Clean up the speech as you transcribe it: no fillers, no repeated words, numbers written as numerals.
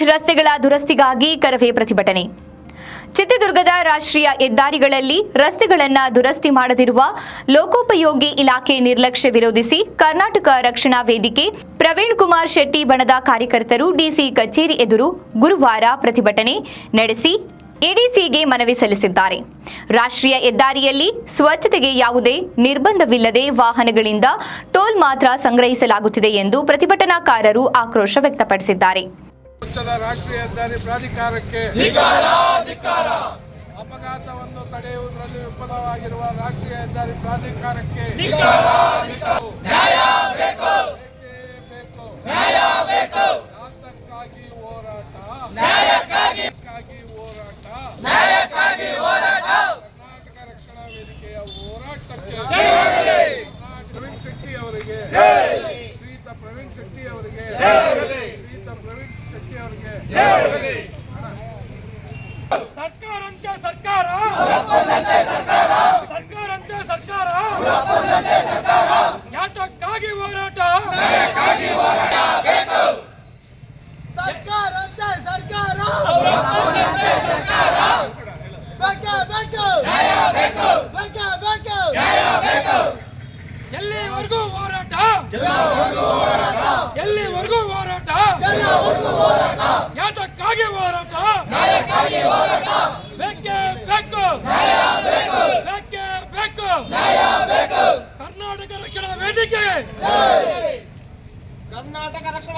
ರಸ್ತೆಗಳ ದುರಸ್ತಿಗಾಗಿ ಕರವೇ ಪ್ರತಿಭಟನೆ. ಚಿತ್ರದುರ್ಗದ ರಾಷ್ಟ್ರೀಯ ಹೆದ್ದಾರಿಗಳಲ್ಲಿ ರಸ್ತೆಗಳನ್ನು ದುರಸ್ತಿ ಮಾಡದಿರುವ ಲೋಕೋಪಯೋಗಿ ಇಲಾಖೆ ನಿರ್ಲಕ್ಷ್ಯ ವಿರೋಧಿಸಿ ಕರ್ನಾಟಕ ರಕ್ಷಣಾ ವೇದಿಕೆ ಪ್ರವೀಣ್ ಕುಮಾರ್ ಶೆಟ್ಟಿ ಬಣದ ಕಾರ್ಯಕರ್ತರು ಡಿಸಿ ಕಚೇರಿ ಎದುರು ಗುರುವಾರ ಪ್ರತಿಭಟನೆ ನಡೆಸಿ ಎಡಿಸಿಗೆ ಮನವಿ ಸಲ್ಲಿಸಿದ್ದಾರೆ. ರಾಷ್ಟ್ರೀಯ ಹೆದ್ದಾರಿಯಲ್ಲಿ ಸ್ವಚ್ಛತೆಗೆ ಯಾವುದೇ ನಿರ್ಬಂಧವಿಲ್ಲದೆ ವಾಹನಗಳಿಂದ ಟೋಲ್ ಮಾತ್ರ ಸಂಗ್ರಹಿಸಲಾಗುತ್ತಿದೆ ಎಂದು ಪ್ರತಿಭಟನಾಕಾರರು ಆಕ್ರೋಶ ವ್ಯಕ್ತಪಡಿಸಿದ್ದಾರೆ. ರಾಷ್ಟ್ರೀಯ ಹೆದ್ದಾರಿ ಪ್ರಾಧಿಕಾರಕ್ಕೆ ಅಪಘಾತವನ್ನು ತಡೆಯುವುದರಲ್ಲಿ ವಿಫಲವಾಗಿರುವ ರಾಷ್ಟ್ರೀಯ ಹೆದ್ದಾರಿ ಪ್ರಾಧಿಕಾರಕ್ಕೆ ನ್ಯಾಯಕ್ಕಾಗಿ ಹೋರಾಟ, ಕರ್ನಾಟಕ ರಕ್ಷಣಾ ವೇದಿಕೆಯ ಹೋರಾಟಕ್ಕೆ ಪ್ರವೀಣ್ ಶೆಟ್ಟಿ ಅವರಿಗೆ, ಶ್ರೀಯುತ ಪ್ರವೀಣ್ ಶೆಟ್ಟಿ ಅವರಿಗೆ, ಸರ್ಕಾರಂತೆ ಸರ್ಕಾರ, ಸರ್ಕಾರಂತೆ ಸರ್ಕಾರ, ಯಾತಕ್ಕಾಗಿ ಹೋರಾಟ, ಸರ್ಕಾರಂತೆ ಸರ್ಕಾರ, ಎಲ್ಲಿವರೆಗೂ ಹೋರಾಟ, ಎಲ್ಲಿವರೆಗೂ ಹೋರಾಟ, ಯಾತಕ್ಕಾಗಿ ಹೋರಾಟ, ಬೇಕೇ ಬೇಕು, ಬೇಕೇ ಬೇಕು, ಕರ್ನಾಟಕ ರಕ್ಷಣಾ ವೇದಿಕೆ, ಕರ್ನಾಟಕ ರಕ್ಷಣಾ